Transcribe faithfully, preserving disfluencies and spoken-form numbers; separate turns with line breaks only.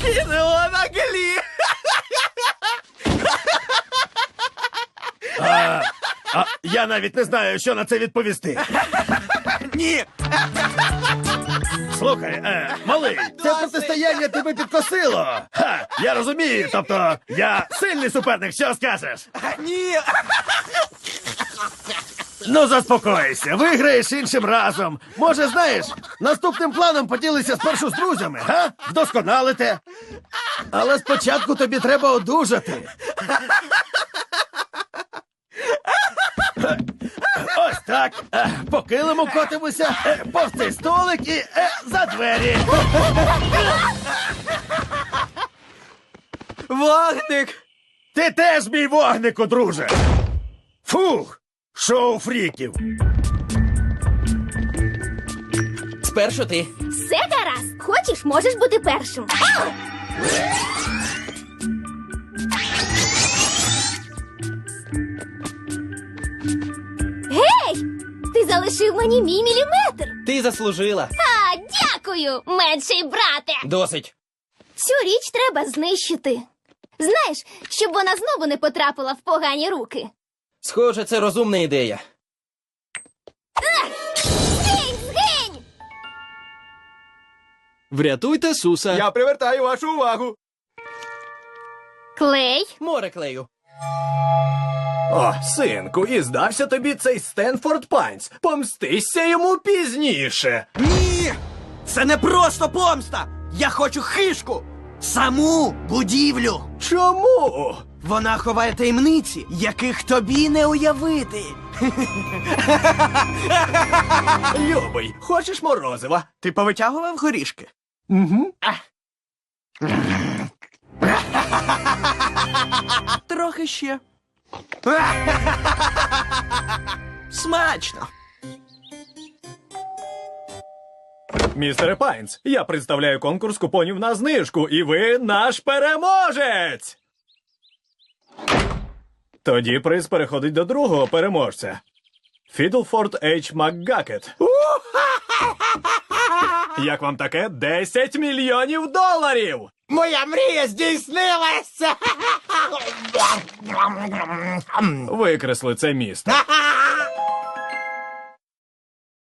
Гідеона Глі!
А, а, я навіть не знаю, що на це відповісти.
Ні!
Слухай, е, малий, це протистояння тебе підкосило. Ха, я розумію, тобто я сильний суперник, що скажеш?
Ні!
Ну, заспокойся, виграєш іншим разом. Може, знаєш, наступним планом поділися спершу з друзями, га? Вдосконалите. Але спочатку тобі треба одужати. Ось так. Е, По килиму котимося, е, повз столик і е, за двері.
Вогник!
Ти теж мій вогнику, друже. Фух, шоу фріків.
Спершу ти.
Все гаразд. Хочеш, можеш бути першим. Гей! Ти залишив мені мій міліметр.
Ти заслужила.
А, дякую, менший брате.
Досить.
Цю річ треба знищити. Знаєш, щоб вона знову не потрапила в погані руки.
Схоже, це розумна ідея.
Згинь, згинь!
Врятуйте Суса.
Я привертаю вашу увагу.
Клей?
Море клею.
О, синку, і здався тобі цей Стенфорд Пайнс. Помстися йому пізніше.
Ні! Це не просто помста! Я хочу хишку! Саму будівлю!
Чому?
Вона ховає таємниці, яких тобі не уявити.
Любий, хочеш морозива?
Ти повитягував горішки?
Угу.
Трохи ще. Смачно.
Містере Пайнс, я представляю конкурс купонів на знижку, і ви наш переможець! Тоді приз переходить до другого переможця. Фідлфорд Ейч МакГакет. Як вам таке? десять мільйонів доларів!
Моя мрія здійснилася!
Викресли це місто.